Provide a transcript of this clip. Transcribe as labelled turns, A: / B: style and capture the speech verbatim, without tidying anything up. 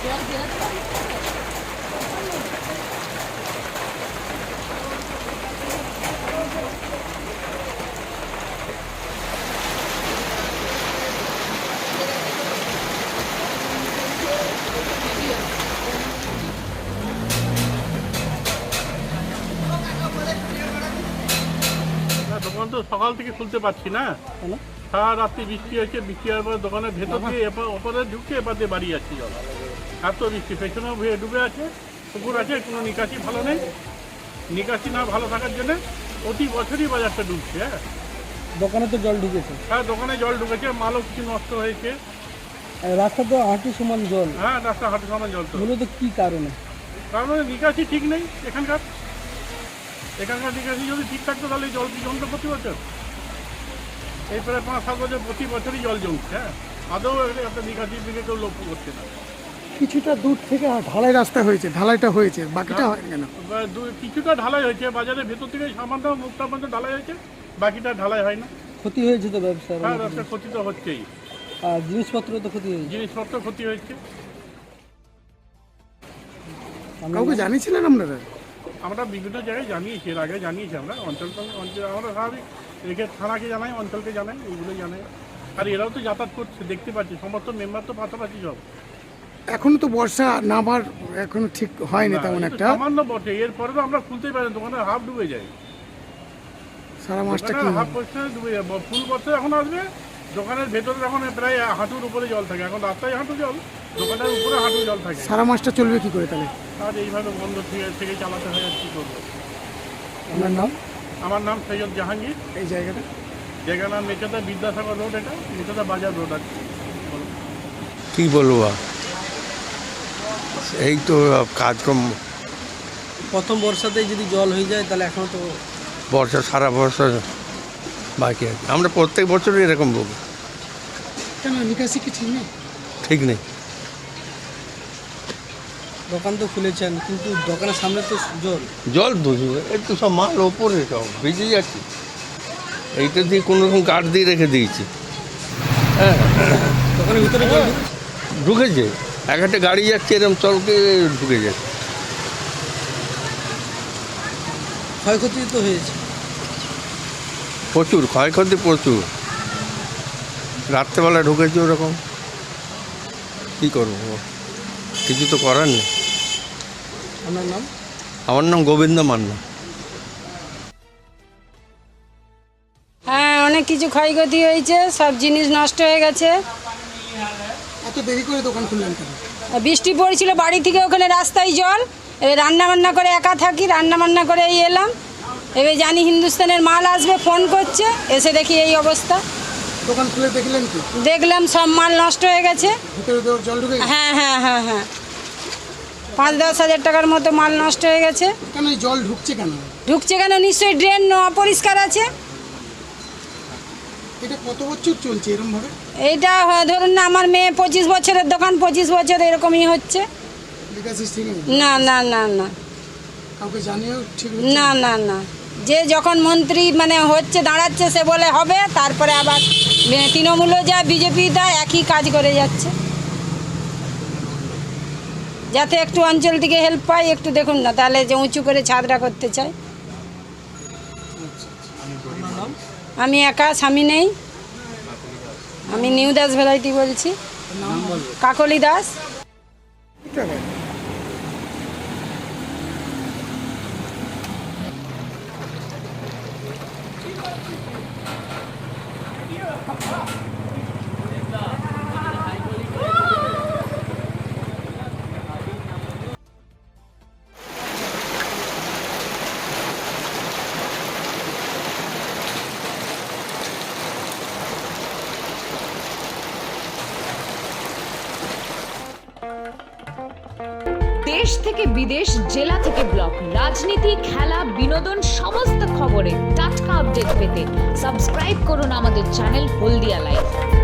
A: দোকান তো সকাল থেকে খুলতে পারছি না, সারা রাত্রি বৃষ্টি হয়েছে। বৃষ্টি হওয়ার পর দোকানের ভেতর দিয়ে ওপরে ঢুকছে, এবার দিয়ে বাড়ি যাচ্ছি জল। এত বৃষ্টি, পেছনেও ডুবে আছে, পুকুর আছে, কোনো নিকাশি ভালো নেই। নিকাশি না ভালো থাকার জন্য প্রতি বছরই বাজারটা ডুবছে। হ্যাঁ,
B: দোকানে তো জল ঢুকেছে।
A: হ্যাঁ, দোকানে জল ঢুকেছে, মালও কিছু নষ্ট হয়েছে।
B: রাস্তা তো হাঁটু সমান জল।
A: হ্যাঁ, রাস্তা হাঁটু সমান জল। তো
B: মূলত কি কারণে?
A: কারণ নিকাশি ঠিক নেই এখানকার। এখানকার নিকাশি যদি ঠিক থাকতো তাহলে জল কি জমতো প্রতি বছর? এই প্রায় পাঁচ সাত বছর প্রতি বছরই জল জমছে। হ্যাঁ, আদৌ একটা নিকাশির দিকে কেউ লক্ষ্য করছে না।
B: কিছুটা দূর থেকে ঢালাই রাস্তা হয়েছে, ঢালাইটা হয়েছে, বাকিটা হয় কেন?
A: কিছুটা ঢালাই হয়েছে, বাজারের ভেতর থেকে সামান্য মুখটা পর্যন্ত ঢালাই হয়েছে, বাকিটা ঢালাই হয় না।
B: ক্ষতি হয়েছে তো ব্যবসা?
A: হ্যাঁ, ব্যবসার ক্ষতি তো হচ্ছেই।
B: আর জিনিসপত্র তো ক্ষতি হয়েছে।
A: জিনিসপত্র ক্ষতি হয়েছে।
B: কাউকে জানিয়েছিলেন আপনারা?
A: আমরা বিভিন্ন জায়গায় জানিয়েছি, এর আগে জানিয়েছি আমরা অঞ্চল অঞ্চল আমরা স্বাভাবিক রেখে থানাকে জানাই, অঞ্চলকে জানাই, এইগুলো জানাই। আর এরাও তো যাতায়াত করছে, দেখতে পাচ্ছি, সমস্ত মেম্বার তো পাশাপাশি সব।
B: এখনো তো বর্ষা নামার এখনো ঠিক হয়নি তেমন একটা।
A: সামান্য বটে, এরপরে তো আমরা খুলতেই পারি, দোকানের হাফ ডুবে যায়।
B: সারা মাসটা কি
A: হাফ পয়সা ডুবে যায়। ফুল বছর এখন আসবে, দোকানের ভেতরে এখন প্রায় হাঁটুর উপরে জল থাকে। এখন রাস্তায় হাঁটু জল, দোকানের উপরে হাঁটু জল থাকে।
B: সারা মাসটা চলবে কি করে তাহলে?
A: আর এইভাবে বন্ধ থেকে থেকে চালাতে হয়, আর কী করবো।
B: আপনার নাম?
A: আমার নাম সৈয়দ জাহাঙ্গীর।
B: এই জায়গাটা
A: জায়গার নাম মেচেদা বিদ্যাসাগর রোড, এটা মেচেদা বাজার রোড আছে।
C: কী বলবো, এই তো কাজকর্ম।
B: প্রথম বর্ষাতেই যদি জল হয়ে যায় তাহলে এখনো তো
C: বর্ষা, সারা বর্ষা বাকি আছে। আমরা প্রত্যেক বছরই এরকম বলবো।
B: কেন নিকাশি কি ঠিক নেই?
C: ঠিক নেই।
B: দোকান তো খুলেছেন কিন্তু দোকানের সামনে তো জল।
C: জল বুঝবে, একটু সব মাল ওপরে সব ভিজে যাচ্ছে। এইটা দিয়ে কোনো রকম কাঠ দিয়ে রেখে দিয়েছি। হ্যাঁ,
B: দোকানের ভিতরে জল
C: ঢুকেছে, এক একটা গাড়ি যাচ্ছে এরকম চলকে ঢুকে যাচ্ছে।
B: ক্ষয়ক্ষতি তো হয়েছে
C: প্রচুর ক্ষয়ক্ষতি, প্রচুর। রাত্রেবেলা ঢুকেছে ওরকম, কী করবো, কিছু তো করার নেই।
B: আপনার নাম?
C: আমার নাম গোবিন্দ মান্না।
D: হ্যাঁ, অনেক কিছু ক্ষয়ক্ষতি হয়েছে, সব জিনিস নষ্ট হয়ে গেছে।
B: এত দেরি করে দোকান খুললেন কেন?
D: বৃষ্টি পড়ছিল, বাড়ি থেকে ওখানে রাস্তায় জল। এবার রান্না বান্না করে একা থাকি, রান্না বান্না করে এই এলাম। এবার জানি হিন্দুস্তানের মাল আসবে, ফোন করছে, এসে দেখি এই অবস্থা।
B: দোকান খুলে দেখলেন কি?
D: দেখলাম সব মাল নষ্ট হয়ে গেছে।
B: ভিতরে জল ঢুকে গেছে?
D: হ্যাঁ হ্যাঁ হ্যাঁ হ্যাঁ পাঁচ দশ হাজার টাকার মতো মাল নষ্ট হয়ে গেছে।
B: কেন এই জল ঢুকছে কেন?
D: ঢুকছে কেন? নিশ্চয়ই ড্রেন অপরিষ্কার আছে।
B: এটা কত বছর চলছে এরকম ভাবে?
D: এইটা ধরুন না, আমার মেয়ে পঁচিশ বছরের দোকান, পঁচিশ বছর এরকমই হচ্ছে।
B: নিকাশি ঠিক নেই?
D: না না না না
B: কাউকে জানিয়েও ঠিক
D: না না না যে যখন মন্ত্রী মানে হচ্ছে দাঁড়াচ্ছে সে বলে হবে, তারপরে আবার তৃণমূলও যায়, বিজেপি তা একই কাজ করে যাচ্ছে। যাতে একটু অঞ্চল থেকে হেল্প পাই, একটু দেখুন না, তাহলে যে উঁচু করে ছাদরা করতে চাই। আমি একা, স্বামী নেই। আমি নিউ দাস ভ্যারাইটি বলছি, কাকলি দাস।
E: দেশ থেকে বিদেশ, জেলা থেকে ব্লক, রাজনীতি, খেলা, বিনোদন সমস্ত খবরে টাটকা আপডেট পেতে সাবস্ক্রাইব করুন আমাদের চ্যানেল হলদিয়া লাইভ।